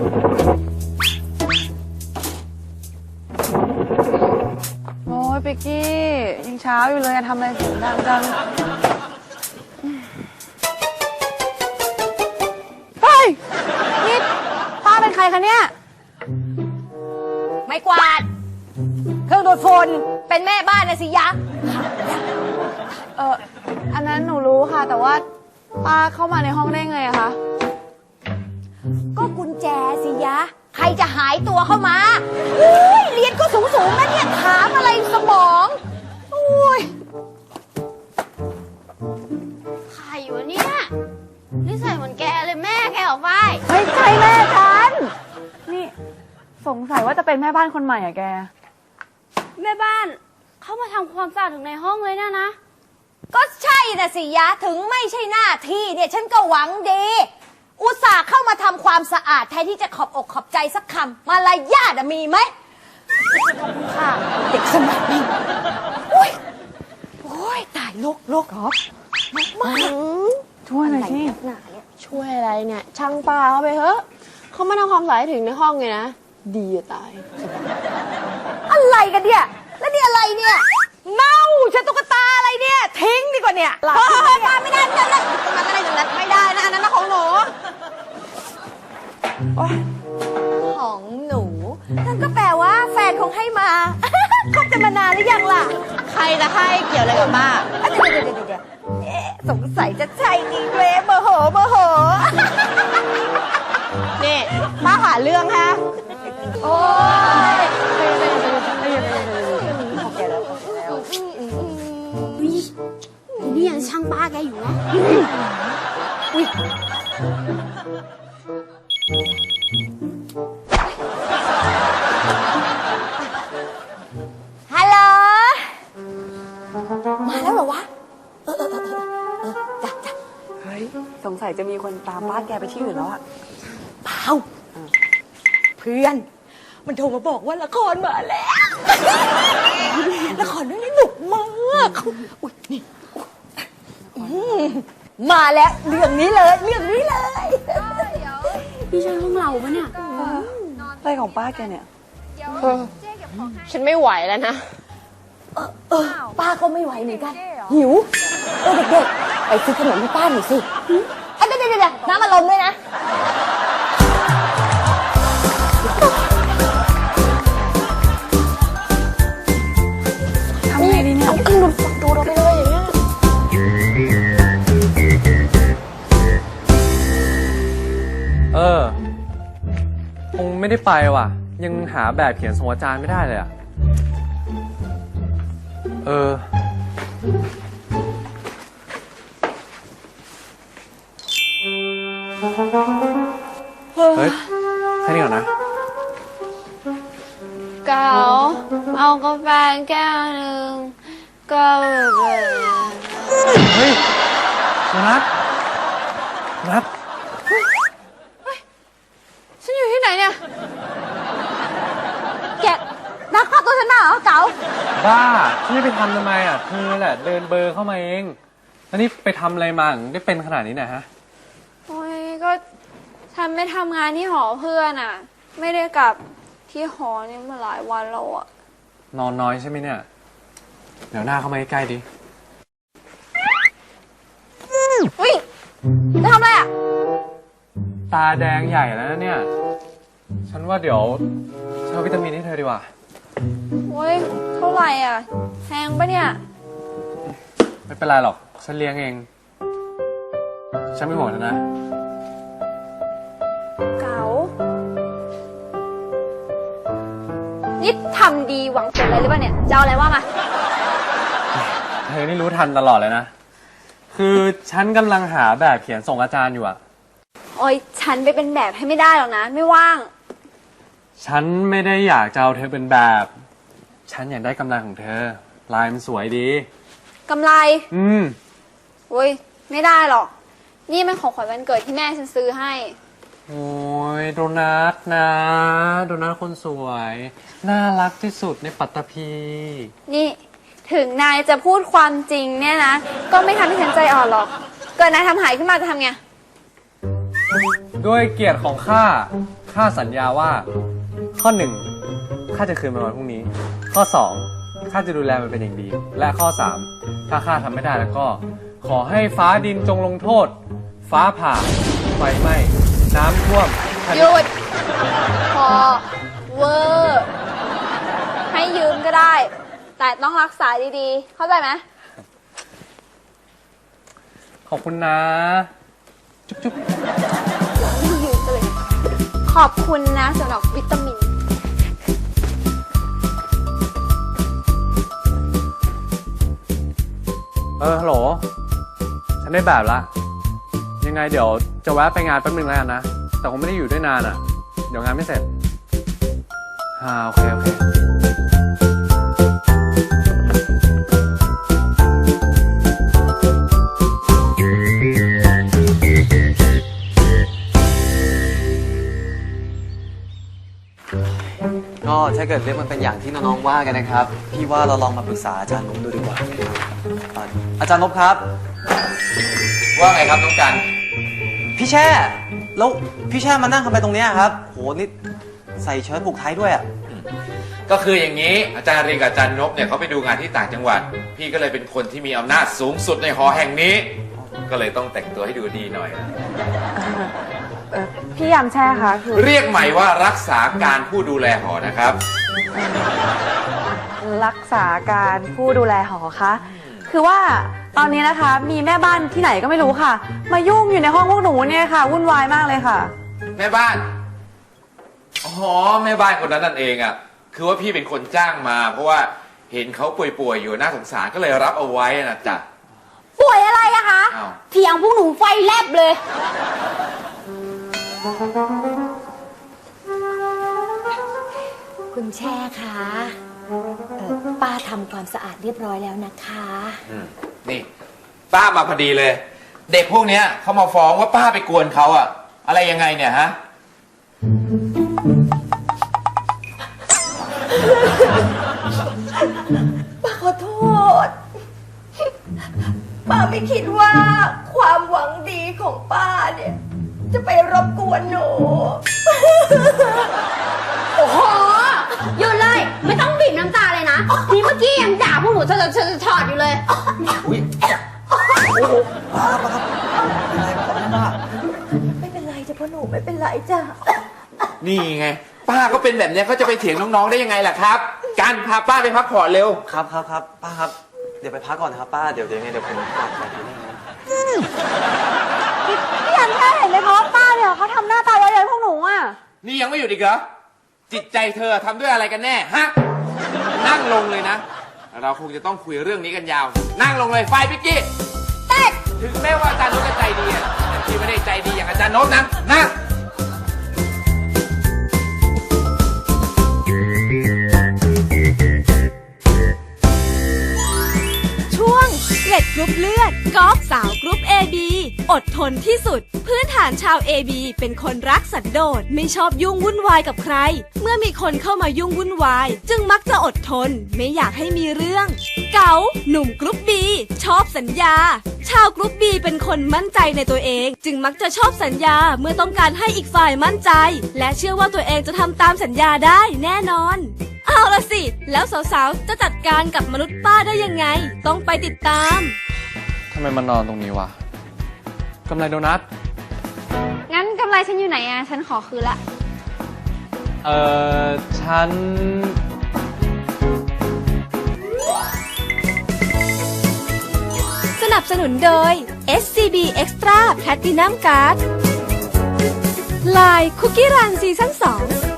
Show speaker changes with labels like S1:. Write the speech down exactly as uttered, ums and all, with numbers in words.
S1: โอ้ยเป๊กกี้ยังเช้าอยู่เลยทำอะไรเสียงดังจังเฮ้ยนี่ป้าเป็นใครคะเนี่ย
S2: ไม่กวาดเครื่องดูดฝุ่นเป็นแม่บ้านนะสิยะ
S1: เอออันนั้นหนูรู้ค่ะแต่ว่าป้าเข้ามาในห้องได้ไงอะคะ
S2: ก็กุญแจสิยะใครจะหายตัวเข้ามาอุ้ยเรียนก็สูงสูงนะเนี่ยถามอะไรสมองอุ้ย
S3: ใครวะเนี่ยนิสัยเหมือนแกเลยแม่แกออกไป
S1: ไม่ใช่แม่ฉันนี่สงสัยว่าจะเป็นแม่บ้านคนใหม่อะแก
S3: แม่บ้านเข้ามาทำความสะอาดถึงในห้องเลยนะนะ
S2: ก็ใช่นะสิยะถึงไม่ใช่หน้าที่เนี่ยฉันก็หวังดีอุตส่าห์เข้ามาทำความสะอาดแทนที่จะขอบอกขอบใจสักคำมารยาทมีไหมค่ะเด็กสมัยนี้โอ้ยโอ้ยตายโลกโลกเหรอมาก
S1: ช่วยหน่อยสิ
S4: ช่วยอะไรเนี่ยช่างป้าเขาไปเถอะเขามาทำความสะอาดถึงในห้องเลยนะดีจะตาย
S2: อะไรกันเนี่ยแล้วนี่อะไรเนี่ยเน่าฉันตุ๊กตาอะไรเนี่ยทิ้งดีกว่าเนี่ยหลับมาไม่ได้ไม่ได้ไม่ได้ตรงนั้นอะไรอย่างนั้นไม่ได้นะอันนั้นของหนูของหนูนั่นก็แปลว่าแฟนคงให้มาคบกันมานานหรือยังล่ะ
S4: ใครจะให้เกี่ยวอะไรกับป้า
S2: เดี๋ยวเดี๋ยวเดี๋ยวเดี๋ยวสงสัยจะใช่จริงเลยโมโหโมโห
S4: นี่ป้าหาเรื่องฮะ
S2: โอ้ย
S3: นี่ยังช่างป้าแกอยู่นะ
S2: ฮัลโหลมาแล้วเหรอวะเออเออเออเออจ้ะจ้ะ
S1: เฮ้ยสงสัยจะมีคนตามบ้านแกไปที่อื่นแล้วอะ
S2: เปล่าเพื่อนมันโทรมาบอกว่าละครมาแล้วละครเรื่องนี้หนุกมากอุ้ยนี่มาแล้วเรื่องนี้เลยเรื่องนี้เลย
S3: นี่ใช่ห้องเราปะเนี่ย
S1: อะไรของป้าแกเนี่ย
S4: ฉันไม่ไหวแล้วนะ
S2: เออเออป้าก็ไม่ไหวเหมือนกันหิวเออเด็กๆไปซื้อขนมให้ป้าหน่อยสิเอ้ยเดี๋ยวเดี๋ยวน้ำอารมณ์ด้วยนะ
S1: ทำไงดีเนี่ย
S4: เอาขึ้นดูดูเราไปเลยอย่างเงี้ย
S5: เออคงไม่ได้ไปว่ะยังหาแบบเขียนส่งอาจารย์ไม่ได้เลยอ่ะเออเฮ้ยแค่นี้ก่อนนะ
S3: เก๋าเอากาแฟแก้วหนึ่งก็แบบ
S5: เฮ้ยนัทนัท
S3: ฉันอยู่ที่ไหนเนี่ย
S2: แกนักพาตัวฉันมาเหรอเก๋า
S5: บ้าฉันจะไปทำทำไมอ่ะเธอแหละเดินเบอร์เข้ามาเองแล้วนี่ไปทำอะไรมาถึงได้เป็นขนาดนี้เนี่ยฮะ
S3: โอ้ยก็ฉันไม่ทำงานที่หอเพื่อนอ่ะไม่ได้กลับที่หอนี่มาหลายวันแล้วอ่ะ
S5: นอนน้อยใช่ไหมเนี่ยเดี๋ยวหน้าเข้ามาใกล้ๆดิ
S2: อุ้ยจะทำอะไรอ่ะ
S5: ตาแดงใหญ่แล้วนะเนี่ยฉันว่าเดี๋ยวเช่าวิตามินให้เธอดีกว่า
S3: โอ้ยเท่าไหร่อ่ะแพงปะเนี่ย
S5: ไม่เป็นไรหรอกฉันเลี้ยงเองฉันไม่ห่วงนะ
S3: เก๋านี่ทำดีหวังผลอะไรหรือเปล่าเนี่ยจะเอาอะไรว่ามา
S5: เธอนี่รู้ทันตลอดเลยนะคือฉันกำลังหาแบบเขียนส่งอาจารย์อยู่อะ
S3: โอ้ยฉันไปเป็นแบบให้ไม่ได้หรอกนะไม่ว่าง
S5: ฉันไม่ได้อยากจะเอาเธอเป็นแบบฉันอยากได้กำไรของเธอลายมันสวยดี
S3: กำไร
S5: อืม
S3: โอ้ยไม่ได้หรอกนี่เป็นของขวัญวันเกิดที่แม่ฉันซื้อให้
S5: โอ้ยโดนัทนะโดนัทคนสวยน่ารักที่สุดในปัตตภี
S3: นี่ถึงนายจะพูดความจริงเนี่ยนะก็ไม่ทำให้ฉันใจอ่อนหรอกเกิดนายทำหายขึ้นมาจะทำไง
S5: ด้วยเกียรติของข้า ข้าสัญญาว่า ข้อหนึ่งข้าจะคืนมันวันพรุ่งนี้ ข้อสองข้าจะดูแลมันเป็นอย่างดี และข้อสามถ้าข้าทำไม่ได้แล้วก็ ขอให้ฟ้าดินจงลงโทษ ฟ้าผ่า ไฟไหม้ น้ำท่วมแผ่น
S3: หยุด พอ เวอร์ ให้ยืมก็ได้ แต่ต้องรักษาดีๆ เข้าใจไหม
S5: ขอบคุณนะ จุ๊บจุ๊บ
S3: ยืมไปเลย ขอบคุณนะสำหรับวิตามิน
S5: เออ ฮัลโหล ฉันได้แบบละ ยังไงเดี๋ยวจะแวะไปงานแป๊บนึงแล้วกันนะ แต่คงไม่ได้อยู่ด้วยนานอ่ะ เดี๋ยวงานไม่เสร็จอ่าโอเค โอเค
S6: ก็ถ้าเกิดเรื่องมันเป็นอย่างที่น้องๆว่ากันนะครับ พี่ว่าเราลองมาปรึกษาอาจารย์นพดูดีกว่าอ่าอาจารย์นพครับ
S7: ว่าไงครับน้องกัน
S6: พี่แช่แล้วพี่แช่มานั่งทำไมตรงเนี้ยครับโหนี่ใส่เชิ้ตผูกไทยด้วยอ่ะ
S7: ก็คืออย่างนี้อาจารย์เรียนกับอาจารย์นพเนี่ยเขาไปดูงานที่ต่างจังหวัด พี่ก็เลยเป็นคนที่มีอำนาจสูงสุดในหอแห่งนี้ ก็เลยต้องแต่งตัวให้ดูดีหน่อยนะ
S1: พี่ยามแช่คะคือ
S7: เรียกใหม่ว่ารักษาการผู้ดูแลหอนะครับ
S1: รักษาการผู้ดูแลหอคะ คือว่าตอนนี้นะคะมีแม่บ้านที่ไหนก็ไม่รู้ค่ะ มายุ่งอยู่ในห้องพวกหนูเนี่ยค่ะวุ่นวายมากเลยค่ะ
S7: แม่บ้าน อ๋อแม่บ้านคนนั้นนั่นเองอ่ะ คือว่าพี่เป็นคนจ้างมา เพราะว่าเห็นเขาป่วยๆอยู่น่าสงสารก็เลยรับเอาไว้นะจ๊ะ
S2: ป่วยอะไรอะคะ
S7: อ้าว
S2: เถียงพวกหนูไฟแลบเลย คุณแช่คะเอ่อป้าทำความสะอาดเรียบร้อยแล้วนะคะ
S7: อืมนี่ ป้ามาพอดีเลย เด็กพวกเนี้ยเขามาฟ้องว่าป้าไปกวนเขาอะอะไรยังไงเนี่ยฮะ
S2: ป้าขอโทษ ป้าไม่คิดว่าความหวังดีของป้าเนี่ย จะไปรบกวนหนู
S8: โอ้โหหยุดเลย ไม่ต้องบีบน้ำตาเลยนะ นี่เมื่อกี้ยังด่าพวกหนูเธอเธอถอดอยู่เลย
S6: อุ้ยโอ้โหป้าป้าครับเป็นไรป้าป้า
S2: ไม่เป็นไรจ้ะพ่อหนูไม่เป็นไรจ้ะ
S7: นี่ไง ป้าก็เป็นแบบเนี้ยเขาจะไปเถียงน้องๆได้ยังไงล่ะครับ การพาป้าไปพักผ่อนเร็ว
S6: ครับครับครับป้าครับเดี๋ยวไปพักก่อนนะครับป้าเดี๋ยวเดี๋ยวไงเดี๋ยวผมกลับไปที่นี่นะ
S1: พี่ยามแช่เห็นไหมคะว่าป้าเนี่ยเขาทำหน้าตาเย้ยๆพวกหนูอ่ะ
S7: นี่ยังไม่หยุดอีกเหรอ จิตใจเธอทำด้วยอะไรกันแน่ฮะ นั่งลงเลยนะ เราคงจะต้องคุยเรื่องนี้กันยาว นั่งลงเลยไฟพิกกี้เต้ถึงแม้ว่าอาจารย์โน้ตจะใจดีอะแต่พี่ไม่ได้ใจดีอย่างอาจารย์โน้ตนะนั่ง
S9: ช่วงเกล็ดกรุ๊ปเลือดกอล์ฟสาวกรุ๊ป เอ บี อดทนที่สุด พื้นฐานชาว เอ บี เป็นคนรักสันโดษไม่ชอบยุ่งวุ่นวายกับใคร เมื่อมีคนเข้ามายุ่งวุ่นวาย จึงมักจะอดทนไม่อยากให้มีเรื่อง เก๋าหนุ่มกรุ๊ป บี ชอบสัญญา ชาวกรุ๊ป บี เป็นคนมั่นใจในตัวเอง จึงมักจะชอบสัญญาเมื่อต้องการให้อีกฝ่ายมั่นใจ และเชื่อว่าตัวเองจะทำตามสัญญาได้แน่นอน เอาละสิ แล้วสาวๆ จะจัดการกับมนุษย์ป้าได้ยังไง ต้องไปติดตาม
S5: ทำไมมันนอนตรงนี้วะกำไรโดนัท
S3: งั้นกำไรฉันอยู่ไหนอ่ะ ฉันขอคืนละ
S5: เอ่อ ฉัน
S9: สนับสนุนโดย เอส ซี บี Extra Platinum Card ไลน์คุกกี้รันซีซั่นสอง